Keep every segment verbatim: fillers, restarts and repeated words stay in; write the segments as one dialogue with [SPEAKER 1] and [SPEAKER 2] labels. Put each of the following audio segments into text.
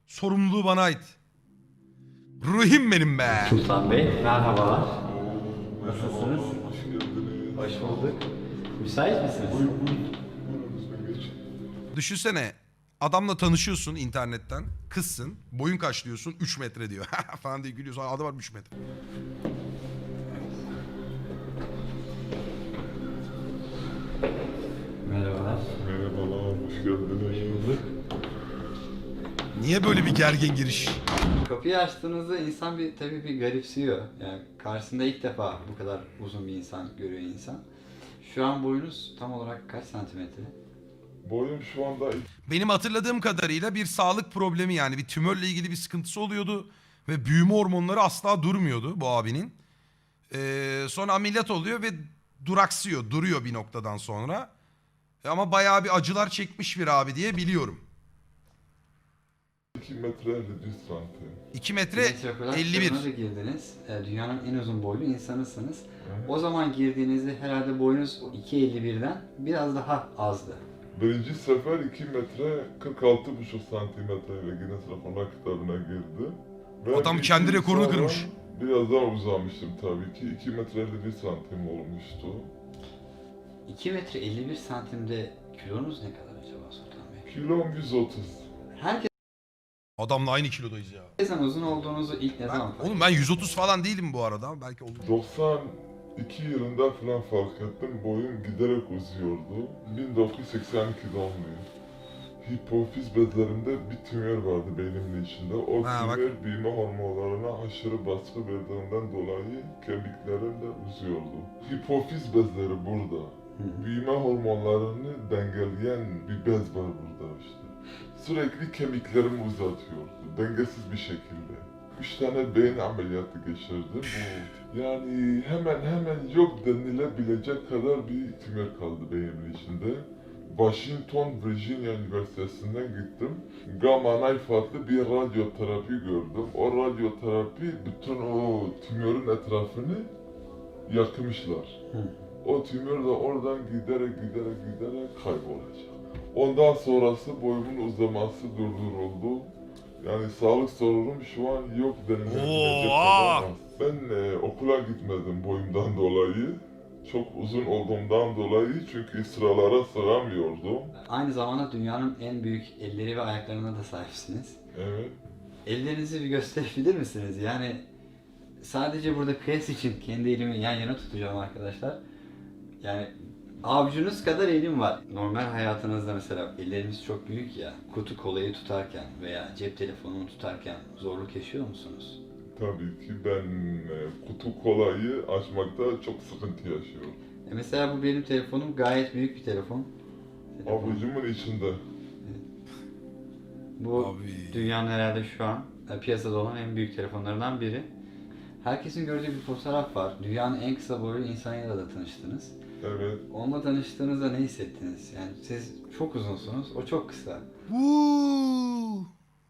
[SPEAKER 1] Sorumluluğu bana ait. Ruhim benim be.
[SPEAKER 2] Sultan Bey, merhabalar. Nasılsınız?
[SPEAKER 3] Hoş geldiniz.
[SPEAKER 2] Hoş bulduk. Müsait misiniz?
[SPEAKER 3] Buyurun, buyurun lütfen geçin.
[SPEAKER 1] Düşünsene adamla tanışıyorsun internetten. Kızsın. Boyun kaç diyorsun? üç metre diyor. falan diye gülüyorsun. Adam var üç metre.
[SPEAKER 2] Merhabalar.
[SPEAKER 3] Merhabalar, hoş geldiniz.
[SPEAKER 1] Niye böyle bir gergin giriş?
[SPEAKER 2] Kapıyı açtığınızda insan bir tabii bir garipsiyor. Yani karşısında ilk defa bu kadar uzun bir insan görüyor insan. Şu an boyunuz tam olarak kaç santimetre?
[SPEAKER 3] Boyum şu anda
[SPEAKER 1] Benim hatırladığım kadarıyla bir sağlık problemi, yani bir tümörle ilgili bir sıkıntısı oluyordu. Ve büyüme hormonları asla durmuyordu bu abinin. Ee, sonra ameliyat oluyor ve duraksıyor, duruyor bir noktadan sonra. E Ama bayağı bir acılar çekmiş bir abi diye biliyorum.
[SPEAKER 3] iki metre elli bir santim.
[SPEAKER 1] iki metre
[SPEAKER 2] Guinness Rekorlar
[SPEAKER 1] elli bir.
[SPEAKER 2] kitabına da girdiniz. E, Dünyanın en uzun boylu insanısınız.
[SPEAKER 3] Evet.
[SPEAKER 2] O zaman girdiğinizde herhalde boyunuz iki elli birden biraz daha azdı.
[SPEAKER 3] Birinci sefer iki metre kırk altı buçuk santimetreyle Guinness Rekorlar kitabına girdi. Ve
[SPEAKER 1] Adam
[SPEAKER 3] bir
[SPEAKER 1] kendi
[SPEAKER 3] iki yıl
[SPEAKER 1] rekorunu
[SPEAKER 3] sonra
[SPEAKER 1] kırmış.
[SPEAKER 3] Biraz daha uzamıştım tabii ki. iki metre elli bir santim olmuştu.
[SPEAKER 2] iki metre elli bir santimde kilonuz ne kadar acaba Sultan Bey?
[SPEAKER 3] Kilom yüz otuz.
[SPEAKER 1] Adamla aynı kilodayız ya.
[SPEAKER 2] Herkesten uzun olduğunuzu ilk ne
[SPEAKER 1] Ben,
[SPEAKER 2] zaman fark
[SPEAKER 1] oğlum ben yüz otuz falan değilim bu arada. Belki olur.
[SPEAKER 3] doksan iki yılında falan fark ettim. Boyum giderek uzuyordu. bin dokuz yüz seksen iki doğumluyum. Hipofiz bezlerimde bir tümör vardı beynimin içinde. O
[SPEAKER 1] Ha, bak.
[SPEAKER 3] tümör büyüme hormonlarına aşırı baskı verdiğinden dolayı kemiklerim de uzuyordu. Hipofiz bezleri burada.
[SPEAKER 2] Hı.
[SPEAKER 3] Büyüme hormonlarını dengeleyen bir bez var burada işte. Sürekli kemiklerimi uzatıyordu. Dengesiz bir şekilde. Üç tane beyin ameliyatı geçirdim. Bu yani hemen hemen yok denilebilecek kadar bir tümör kaldı beynimin içinde. Washington, Virginia Üniversitesi'nden gittim. Gamma knife adlı bir radyoterapi gördüm. O radyoterapi bütün o tümörün etrafını yakmışlar.
[SPEAKER 2] Hı.
[SPEAKER 3] O tümör de oradan giderek giderek giderek kaybolacak. Ondan sonrası boyumun uzaması durduruldu. Yani sağlık sorunum şu an yok denilebilecek
[SPEAKER 1] Oha!
[SPEAKER 3] kadar az. Ben e, okula gitmedim boyumdan dolayı. Çok uzun olduğumdan dolayı çünkü sıralara sığamıyordum.
[SPEAKER 2] Aynı zamanda dünyanın en büyük elleri ve ayaklarına da sahipsiniz.
[SPEAKER 3] Evet.
[SPEAKER 2] Ellerinizi bir gösterebilir misiniz? Yani sadece burada kıyas için kendi elimi yan yana tutacağım arkadaşlar. Yani avucunuz kadar elim var. Normal hayatınızda mesela ellerimiz çok büyük ya. Kutu kolayı tutarken veya cep telefonunu tutarken zorluk yaşıyor musunuz?
[SPEAKER 3] Tabii ki ben e, kutu kolayı açmakta çok sıkıntı yaşıyorum.
[SPEAKER 2] E mesela bu benim telefonum gayet büyük bir telefon. Telefon.
[SPEAKER 3] Avucumun içinde.
[SPEAKER 2] Bu
[SPEAKER 1] Abi.
[SPEAKER 2] dünyanın herhalde şu an e, piyasada olan en büyük telefonlarından biri. Herkesin gördüğü bir fotoğraf var. Dünyanın en kısa boylu insanıyla da tanıştınız.
[SPEAKER 3] Evet.
[SPEAKER 2] Onunla tanıştığınızda ne hissettiniz? Yani siz çok uzunsunuz, o çok kısa.
[SPEAKER 1] Uuu.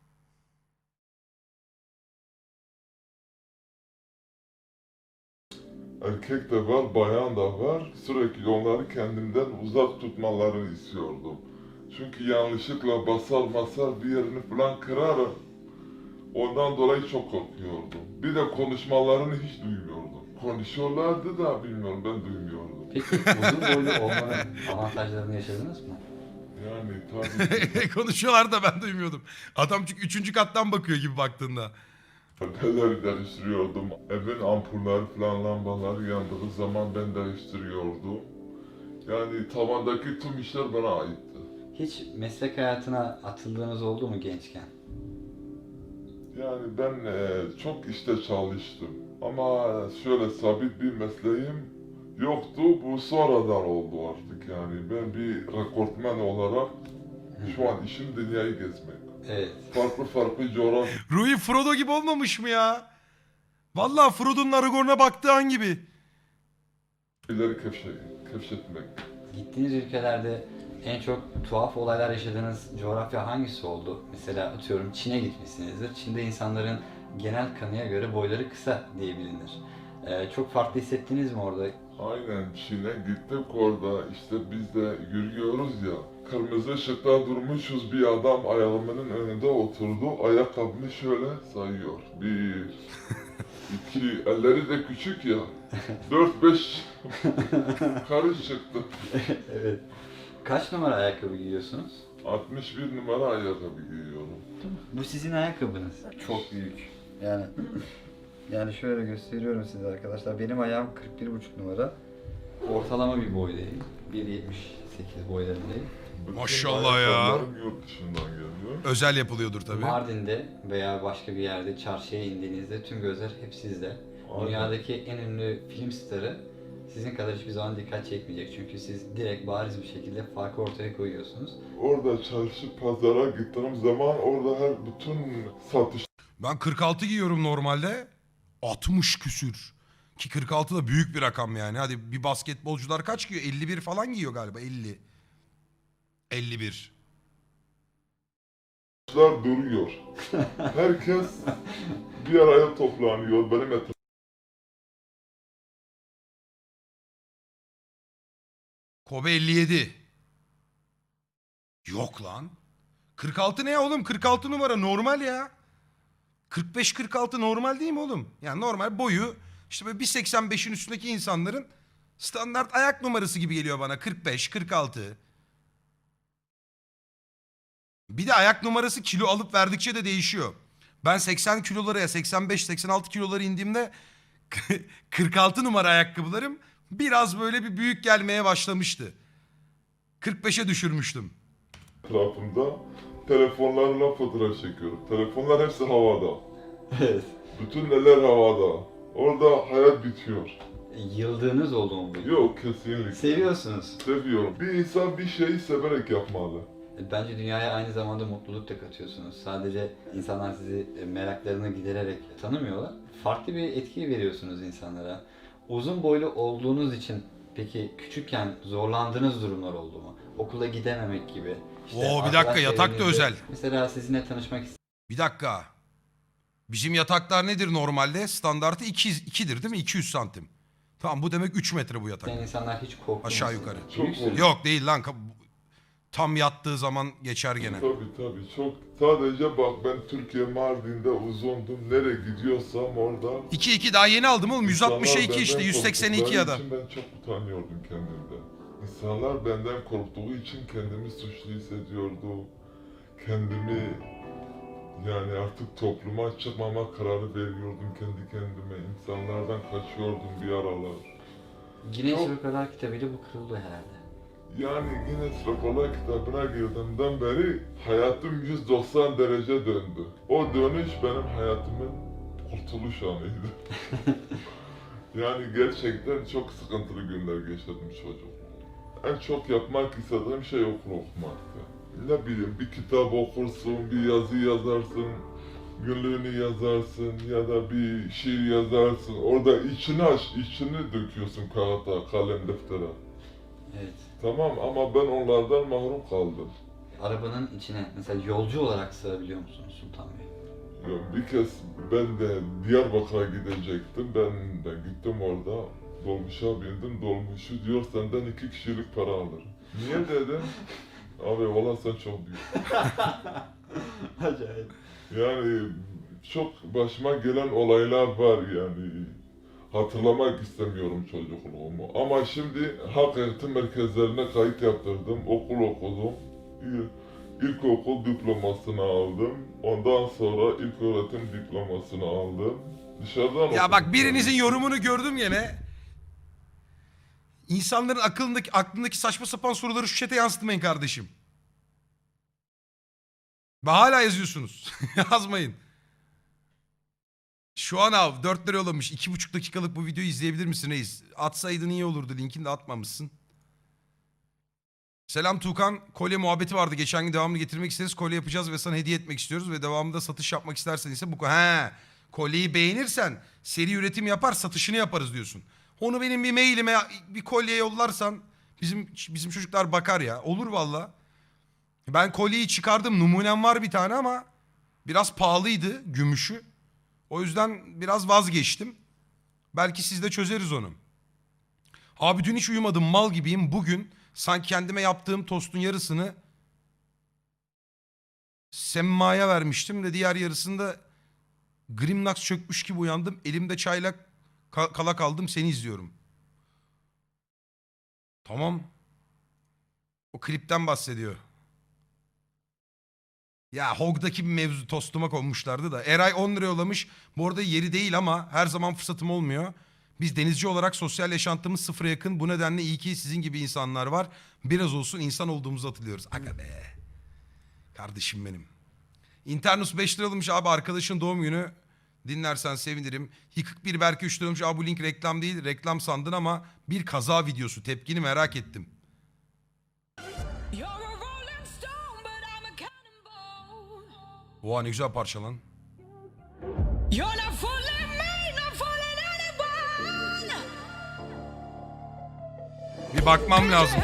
[SPEAKER 3] Erkek de var, bayan da var. Sürekli onları kendimden uzak tutmalarını istiyordum. Çünkü yanlışlıkla basar basar bir yerini falan kırarım. Ondan dolayı çok korkuyordum. Bir de konuşmalarını hiç duymuyordum. Konuşuyorlardı da bilmiyorum, ben duymuyordum.
[SPEAKER 2] Peki uzun boylu olmanın avantajlarını yaşadınız mı?
[SPEAKER 3] Yani tabii ki
[SPEAKER 1] Konuşuyorlar da ben duymuyordum. Adam çünkü üçüncü kattan bakıyor gibi baktığında.
[SPEAKER 3] neler değiştiriyordum. Evin ampulleri falan lambaları yandığı zaman ben değiştiriyordum. Yani tavandaki tüm işler bana aitti.
[SPEAKER 2] Hiç meslek hayatına atıldığınız oldu mu gençken?
[SPEAKER 3] Yani ben e, çok işte çalıştım. Ama şöyle sabit bir mesleğim yoktu. Bu sonradan oldu artık yani. Ben bir rekortmen olarak şu an işim dünyayı gezmek.
[SPEAKER 2] Evet.
[SPEAKER 3] Farklı farklı coğrafyaları
[SPEAKER 1] Rui Frodo gibi olmamış mı ya? Vallahi Frodo'nun Aragorn'a baktığı an gibi.
[SPEAKER 3] keşfe, keşfetmek.
[SPEAKER 2] Gittiğiniz ülkelerde en çok tuhaf olaylar yaşadığınız coğrafya hangisi oldu? Mesela atıyorum Çin'e gitmişsinizdir. Çin'de insanların genel kanıya göre boyları kısa diye bilinir. Ee, çok farklı hissettiniz mi orada?
[SPEAKER 3] Aynen Çin'e gittik orada işte biz de yürüyoruz ya. Kırmızı ışıkta durmuşuz, bir adam ayağımın önünde oturdu. Ayakkabımı şöyle sayıyor. Bir, iki, elleri de küçük ya. Dört, beş karış çıktı.
[SPEAKER 2] Evet. Kaç numara ayakkabı giyiyorsunuz?
[SPEAKER 3] altmış bir numara ayakkabı giyiyorum.
[SPEAKER 2] Bu sizin ayakkabınız. Çok büyük. Yani yani şöyle gösteriyorum size arkadaşlar. Benim ayağım kırk bir buçuk numara. Ortalama bir boydayım. bir yetmiş sekiz boylarındayım.
[SPEAKER 3] Bütün
[SPEAKER 1] Maşallah ya.
[SPEAKER 3] ayakkabılarım yurt dışından geliyor.
[SPEAKER 1] Özel yapılıyordur tabii.
[SPEAKER 2] Mardin'de veya başka bir yerde çarşıya indiğinizde tüm gözler hep sizde.
[SPEAKER 3] Aynen.
[SPEAKER 2] Dünyadaki en ünlü film starı sizin kadar hiçbir zaman dikkat çekmeyecek. Çünkü siz direkt bariz bir şekilde farkı ortaya koyuyorsunuz.
[SPEAKER 3] Orada çarşı pazara gittiğim zaman orada her bütün satış
[SPEAKER 1] Ben kırk altı giyiyorum normalde. altmış küsür. Ki kırk altı da büyük bir rakam yani. Hadi bir basketbolcular kaç giyiyor? elli bir falan giyiyor galiba. elli. elli bir.
[SPEAKER 3] Lar duruyor. Herkes bir araya toplanıyor. Benim etrafımda
[SPEAKER 1] Kobe elli yedi. Yok lan. kırk altı ne oğlum? kırk altı numara normal ya. kırk beş kırk altı normal değil mi oğlum? Yani normal boyu işte böyle bir seksen beşin üstündeki insanların standart ayak numarası gibi geliyor bana. kırk beş kırk altı. Bir de ayak numarası kilo alıp verdikçe de değişiyor. Ben seksen kilolara ya seksen beş seksen altı kilolara indiğimde kırk altı numara ayakkabılarım biraz böyle bir büyük gelmeye başlamıştı. kırk beşe düşürmüştüm.
[SPEAKER 3] telefonlarla fotoğraf çekiyorum. Telefonlar hepsi havada.
[SPEAKER 2] Evet.
[SPEAKER 3] Bütün neler havada. Orada hayat bitiyor.
[SPEAKER 2] Yıldığınız oldu mu bu?
[SPEAKER 3] Yok, kesinlikle.
[SPEAKER 2] Seviyorsunuz.
[SPEAKER 3] Seviyorum. Bir insan bir şeyi severek yapmalı.
[SPEAKER 2] Bence dünyaya aynı zamanda mutluluk da katıyorsunuz. Sadece insanlar sizi meraklarını gidererek tanımıyorlar. Farklı bir etki veriyorsunuz insanlara. Uzun boylu olduğunuz için peki küçükken zorlandığınız durumlar oldu mu? Okula gidememek gibi.
[SPEAKER 1] Oo, bir dakika,
[SPEAKER 2] arkadaş
[SPEAKER 1] yatak da
[SPEAKER 2] çevrenizde
[SPEAKER 1] özel.
[SPEAKER 2] Mesela sizinle tanışmak
[SPEAKER 1] Bir dakika. Bizim yataklar nedir normalde? Standartı iki, ikidir değil mi? iki yüz santim. Tamam, bu demek üç metre bu yatak.
[SPEAKER 2] isteyen insanlar hiç korkmuyor.
[SPEAKER 1] Aşağı yukarı.
[SPEAKER 3] Çok oldu.
[SPEAKER 1] Yok değil lan. Tam yattığı zaman geçer gene.
[SPEAKER 3] Tabii tabii. Çok. Sadece bak, ben Türkiye Mardin'de uzundum. Nereye gidiyorsam orada.
[SPEAKER 1] iki iki daha yeni aldım oğlum. yüz altmışa iki
[SPEAKER 3] İnsanlar
[SPEAKER 1] işte.
[SPEAKER 3] benden
[SPEAKER 1] yüz seksen iki ya da.
[SPEAKER 3] korktukları için ben çok utanıyordum kendimden. İnsanlar benden korktuğu için kendimi suçlu hissediyordum. Kendimi yani artık topluma çıkmama kararı veriyordum kendi kendime. İnsanlardan kaçıyordum bir aralar.
[SPEAKER 2] Guinness
[SPEAKER 3] Çok-
[SPEAKER 2] Rekorlar kitabıyla bu kırıldı herhalde.
[SPEAKER 3] Yani Guinness Rekorlar kitabına girdiğimden beri hayatım yüz doksan derece döndü. O dönüş benim hayatımın kurtuluş anıydı. Yani gerçekten çok sıkıntılı günler geçirdim çocuk. En çok yapmak istediğim şey okul okumaktı. Ne bileyim, bir kitap okursun, bir yazı yazarsın, günlüğünü yazarsın ya da bir şiir yazarsın. Orada içini aç, içini döküyorsun kağıda, kalem, deftere.
[SPEAKER 2] Evet.
[SPEAKER 3] Tamam, ama ben onlardan mahrum kaldım.
[SPEAKER 2] Arabanın içine mesela yolcu olarak sığabiliyor musunuz Sultan Bey?
[SPEAKER 3] Ya bir kez ben de Diyarbakır'a gidecektim. Ben de gittim orada. Dolmuşa bindim. Dolmuşu diyor senden iki kişilik para alır. Niye dedim? Abi valla sen çok büyük.
[SPEAKER 2] Acayip.
[SPEAKER 3] Yani çok başıma gelen olaylar var yani. Hatırlamak istemiyorum çocukluğumu. Ama şimdi halk eğitim merkezlerine kayıt yaptırdım. Okul okudum. İl- İlkokul diplomasını aldım. Ondan sonra ilköğretim diplomasını aldım. Dışarıdan
[SPEAKER 1] Ya bak,
[SPEAKER 3] okudum.
[SPEAKER 1] birinizin yorumunu gördüm gene. İnsanların aklındaki aklındaki saçma sapan soruları şu chat'e yansıtmayın kardeşim. Ve hala yazıyorsunuz. Yazmayın. Şu an abi dört lira yollamış. iki buçuk dakikalık bu videoyu izleyebilir misin reis? Atsaydın iyi olurdu. Linkini de atmamışsın. Selam Tuğkan. Kolye muhabbeti vardı. Geçen gün devamını getirmek isteriz. Kolye yapacağız ve sana hediye etmek istiyoruz. Ve devamında satış yapmak istersen ise bu... He, kolyeyi beğenirsen seri üretim yapar, satışını yaparız diyorsun. Onu benim bir mailime bir kolye yollarsan bizim bizim çocuklar bakar ya. Olur valla. Ben kolyeyi çıkardım. Numunem var bir tane ama biraz pahalıydı gümüşü. O yüzden biraz vazgeçtim. Belki siz de çözeriz onu. Abi dün hiç uyumadım, mal gibiyim. Bugün sanki kendime yaptığım tostun yarısını Semma'ya vermiştim de diğer yarısında Grimnax çökmüş gibi uyandım. Elimde çayla ka- kala kaldım, seni izliyorum. Tamam. O klipten bahsediyor. Ya Hog'daki bir mevzu tostuma konmuşlardı da. Eray on lira yollamış. Bu arada yeri değil ama her zaman fırsatım olmuyor. Biz denizci olarak sosyal yaşantımız sıfıra yakın. Bu nedenle iyi ki sizin gibi insanlar var. Biraz olsun insan olduğumuzu hatırlıyoruz. Aga be. Kardeşim benim. İnternus beş lira almış abi, arkadaşın doğum günü. Dinlersen sevinirim. Yıkık bir Berke üç lira almış. Abi bu link reklam değil. Reklam sandın ama bir kaza videosu. Tepkini merak ettim. Oha ne güzel parça lan. Bir bakmam lazım.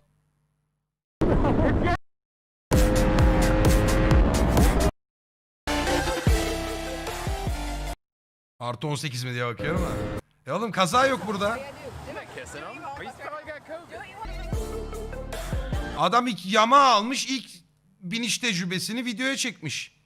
[SPEAKER 1] Artı on sekiz mi diye bakıyorum da. E oğlum kaza yok burada. Adam ilk yama almış, ilk biniş tecrübesini videoya çekmiş.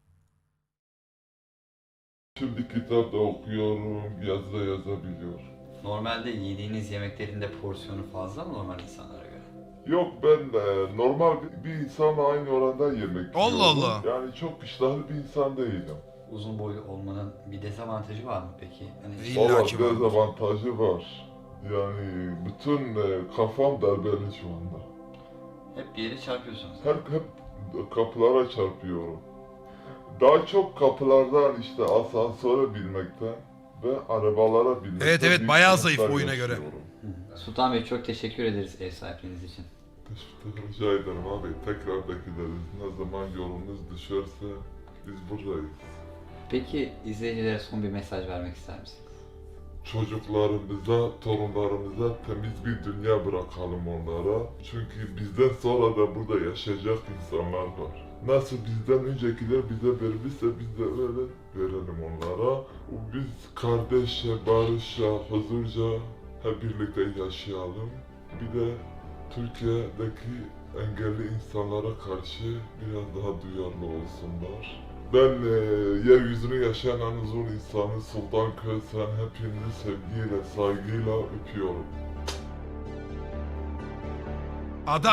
[SPEAKER 3] Şimdi kitap da okuyorum, yazı da yazabiliyorum.
[SPEAKER 2] Normalde yediğiniz yemeklerin de porsiyonu fazla mı normal insanlara göre?
[SPEAKER 3] Yok ben e, normal bir insanla aynı oranda yemek
[SPEAKER 1] Allah
[SPEAKER 3] yiyorum.
[SPEAKER 1] Allah.
[SPEAKER 3] Yani çok iştahlı bir insan değilim.
[SPEAKER 2] Uzun boylu olmanın bir dezavantajı var mı peki? Hani
[SPEAKER 1] İyi. İlla
[SPEAKER 3] Valla
[SPEAKER 1] ki vardır.
[SPEAKER 3] dezavantajı var. Yani bütün e, kafam darbeli şu anda.
[SPEAKER 2] hep bir yere çarpıyorsunuz.
[SPEAKER 3] Hep, hep kapılara çarpıyorum. Daha çok kapılardan işte asansöre binmekten ve arabalara binmekten...
[SPEAKER 1] Evet, evet,
[SPEAKER 3] büyük
[SPEAKER 1] bayağı
[SPEAKER 3] sıkıntılar
[SPEAKER 1] zayıf oyuna göre.
[SPEAKER 3] yaşıyorum.
[SPEAKER 2] Hı. Sultan Bey çok teşekkür ederiz ev sahipliğiniz için.
[SPEAKER 3] Teşekkür rica ederim abi. Tekrar bekleriz. Ne zaman yolunuz düşerse biz buradayız.
[SPEAKER 2] Peki izleyicilere son bir mesaj vermek ister misiniz?
[SPEAKER 3] Çocuklarımıza, torunlarımıza temiz bir dünya bırakalım onlara. Çünkü bizden sonra da burada yaşayacak insanlar var. Nasıl bizden öncekiler bize vermişse biz de öyle verelim onlara. Biz kardeşçe, barışça, huzurca hep birlikte yaşayalım. Bir de Türkiye'deki engelli insanlara karşı biraz daha duyarlı olsunlar. Ben e, yeryüzünü yaşayan en uzun insanı Sultan Kösen hepinizi sevgiyle, saygıyla öpüyorum.